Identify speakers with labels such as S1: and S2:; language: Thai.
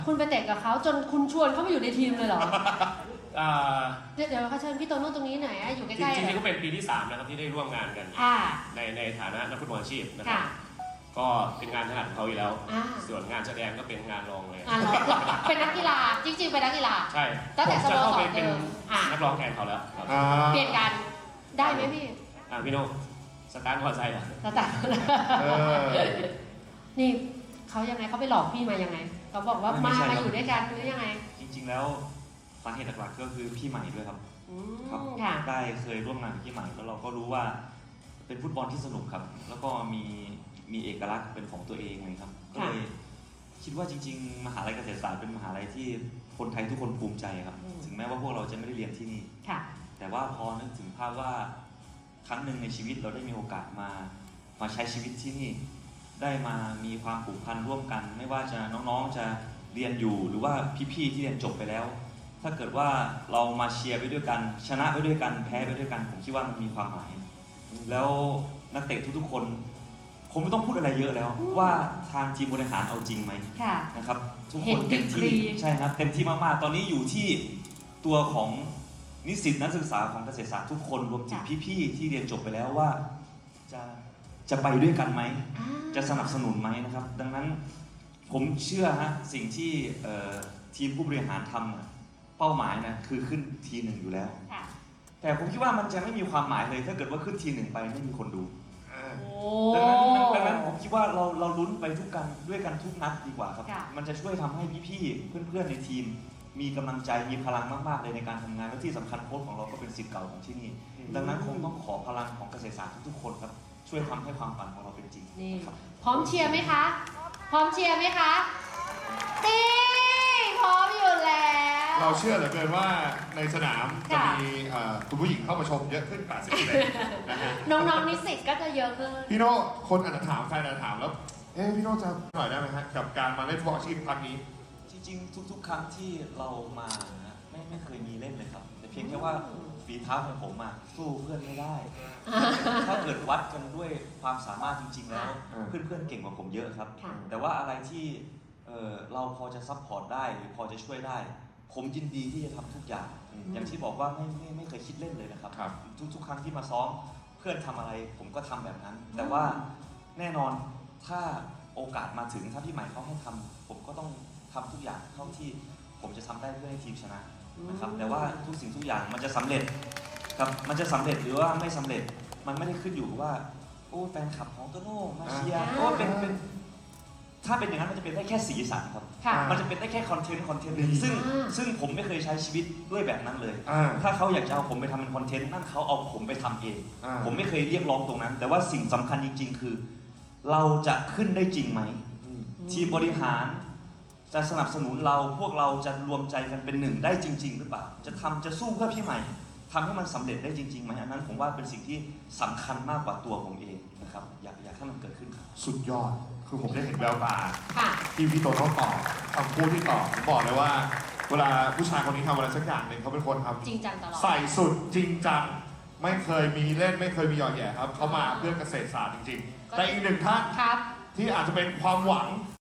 S1: คุณไปเตะกับเขาจนคุณชวนเขามาอยู่ในทีมเลยเหรอ
S2: อ่า
S1: เดี๋ยวเขาเชิญพี่โตโน่ตรงนี้หน่อยอะอยู่ใก
S2: จ
S1: ล้ๆ
S2: ริงๆก็เป็นปีที่3นะครับที่ได้ร่วมงานกัน
S1: ค่ะ
S2: ในฐานะนักฟุตบอลอาชีพนะครับ
S1: ค่ะ
S2: ก็เป็นงานถนัดของเขาอยู่แล้ว
S1: อ่า
S2: ส่วนงานแสดงก็เป็นงานรองเลย
S1: เราเป็นนักกีฬาจริงๆเป็นนักกีฬา
S2: ใช่
S1: ตั้งแต่
S2: ผมจะเข้าไป
S1: สโมสร
S2: เป็น
S1: เดิมอ่ะ
S2: นักร้องแทนเขาแล้วครับ
S1: เปลี่ยนกันได้ไหมพี่
S2: พี่โน่สตาร์ทมอเตอร์ไซค์เหรอ
S1: แล้วแต่
S3: เออ
S1: นี่เขายังไงเขาไปหลอกพี่มายังไงเขาบอกว่า
S4: ไม่
S1: มา
S4: ใช่ครับ
S1: อยู่ด้วยกันหรือยังไง
S4: จริงๆแล้วสาเหตุหลักๆก็คือพี่ใหม่ด้วยครับ
S1: อื
S4: ครับ
S1: มค่ะ
S4: ได้เคยร่วมงานกับพี่ใหม่แล้วเราก็รู้ว่าเป็นฟุตบอลที่สนุกครับ แล้วก็มีเอกลักษณ์เป็นของตัวเองเลยครับก็เลยคิดว่าจริงๆ มหาลัยเกษตรศาสตร์เป็นมหาลัยที่คนไทยทุกคนภูมิใจครับ ถึงแม้ว่าพวกเราจะไม่ได้เรียนที่นี่
S1: ค่ะ
S4: แต่ว่าพอนึกถึงภาพว่าครั้งหนึ่งในชีวิตเราได้มีโอกาสมาใช้ชีวิตที่นี่ ได้มามีความผูกพันร่วมกัน ไม่ว่าจะน้องๆจะเรียนอยู่หรือว่าพี่ๆที่เรียนจบไปแล้ว ถ้าเกิดว่าเรามาเชียร์ไปด้วยกัน ชนะไปด้วยกันแพ้ไปด้วยกันผมคิดว่ามันมีความหมาย แล้วนักเตะทุกๆคนผมไม่ต้องพูดอะไรเยอะแล้ว ว่าทางทีมบริหารเอาจริงไหม
S1: ค่ะ
S4: นะครับทุก
S1: เห็
S4: คน นเต็ม
S1: ดีก
S4: ที่
S1: รี
S4: ใช่ครับเต็มที่มากๆ ตอนนี้อยู่ที่ตัวของนิสิตนักศึกษาของเกษตรศาสตร์ทุกคนรวมถึงพี่ๆที่เรียนจบไปแล้วว่าจะไปด้วยกันไหม
S1: อ่า
S4: จะสนับสนุนไหมนะครับ ดังนั้นผมเชื่อฮะสิ่งที่ทีมผู้บริหารทำเป้าหมายนะคือขึ้นทีหนึ่งอยู่แล้ว
S1: ค่ะ
S4: แต่ผมคิดว่ามันจะไม่มีความหมายเลย ถ้าเกิดว่าขึ้นทีหนึ่งไปไม่มีคนดู
S1: โอ้
S4: ดังนั้นผมคิดว่าเราลุ้นไปด้วยกันทุกนัดดีกว่าครับ
S1: ค่ะ
S4: มันจะช่วยทำให้พี่ๆเพื่อนๆในทีม มีกำลังใจมีพลังมากๆเลยในการทำงานและที่สำคัญโค้ชของเราก็เป็นศิษย์เก่าของที่นี่ ดังนั้นคงต้องขอพลังของเกษตรศาสตร์ทุกๆคนครับช่วยทำให้ความฝันของเราเป็นจริง
S1: นี่
S4: ครับ
S1: พร้อมเชียร์ไหมคะ พร้อมเชียร์ไหมคะนี่พร้อมอยู่แล้ว
S3: เราเชื่อเหลือเกินว่าในสนามจะ
S1: ค่ะ
S3: มีคุณผู้หญิงเข้ามาชมเยอะขึ้น 80%นะฮะ
S1: น้องๆนิสิตก็จะเยอะขึ้น
S3: พี่โน่คนอาจจะถามแฟนอาจจะถามแล้ว พี่โน่จะหน่อยได้ไหมฮะกับการมาเล่นฟุตบอลอาชีพครั้งนี้
S4: จริงๆทุกๆ ครั้งที่เรามานะไม่เคยมีเล่นเลยครับ แต่เพียงแค่ว่าฝีเท้าของผมสู้เพื่อนไม่ได้ ถ้าเกิดวัดกันด้วยความสามารถจริง ๆ แล้ว
S3: อ่า
S4: เพื่อนๆเก่งกว่าผมเยอะครับ
S1: ค่ะ
S4: แต่ว่าอะไรที่เราพอจะซัพพอร์ตได้หรือพอจะช่วยได้ ผมยินดีที่จะทำทุกอย่าง อย่างที่บอกว่าไม่เคยคิดเล่นเลยนะครับ
S3: ครับ
S4: ทุกๆ ครั้งที่มาซ้อมเพื่อนทำอะไรผมก็ทำแบบนั้น แต่ว่าแน่นอนถ้าโอกาสมาถึงถ้าพี่ใหม่เขาให้ทำผมก็ต้องทำทุกอย่างเท่าที่ผมจะทำได้เพื่อให้ทีมชนะนะครับ แต่ว่าทุกสิ่งทุกอย่างมันจะสำเร็จครับมันจะสำเร็จหรือว่าไม่สำเร็จมันไม่ได้ขึ้นอยู่กับว่าโอ้แฟนคลับของโตโน่มาเชียร์โอ้เป็นถ้าเป็นอย่างนั้นมันจะเป็นได้แค่สีสันครับ
S1: ค่ะ
S4: มันจะเป็นได้แค่คอนเทนต์หนึ่งซึ่งผมไม่เคยใช้ชีวิตด้วยแบบนั้นเลย
S3: อ่า
S4: ถ้าเขาอยากจะเอาผมไปทำเป็นคอนเทนต์นั่นเขาเอาผมไปทำเอง
S3: อ่า
S4: ผมไม่เคยเรียกร้องตรงนั้น แต่ว่าสิ่งสำคัญจริง ๆ คือ เราจะขึ้นได้จริงไหม ทีมบริหารจะสนับสนุนเราพวกเราจะรวมใจกันเป็นหนึ่งได้จริง ๆ หรือเปล่า จะสู้เพื่อพี่ใหม่ทำให้มันสำเร็จได้จริงๆไหมอันนั้นผมว่าเป็นสิ่งที่สำคัญมากกว่าตัวผมเองนะครับอยากให้มันเกิดขึ้นครับ
S3: สุดยอด คือผมได้เห็นแววตา
S1: ค่ะ
S3: ที่พี่โตโน่ตอบคำพูดที่ตอบผมบอกเลยว่า เวลาผู้ชายคนนี้ทำอะไรสักอย่างหนึ่งเขาเป็นคนทำ
S1: จริงจังตลอด
S3: ใส่สุดจริงจังไม่เคยมีเล่นไม่เคยมีหยอดแหย่ครับเขามาเพื่อเกษตรศาสตร์จริงๆ แต่อีกหนึ่งท่าน
S1: ครับ
S3: ที่อาจจะเป็นความหวัง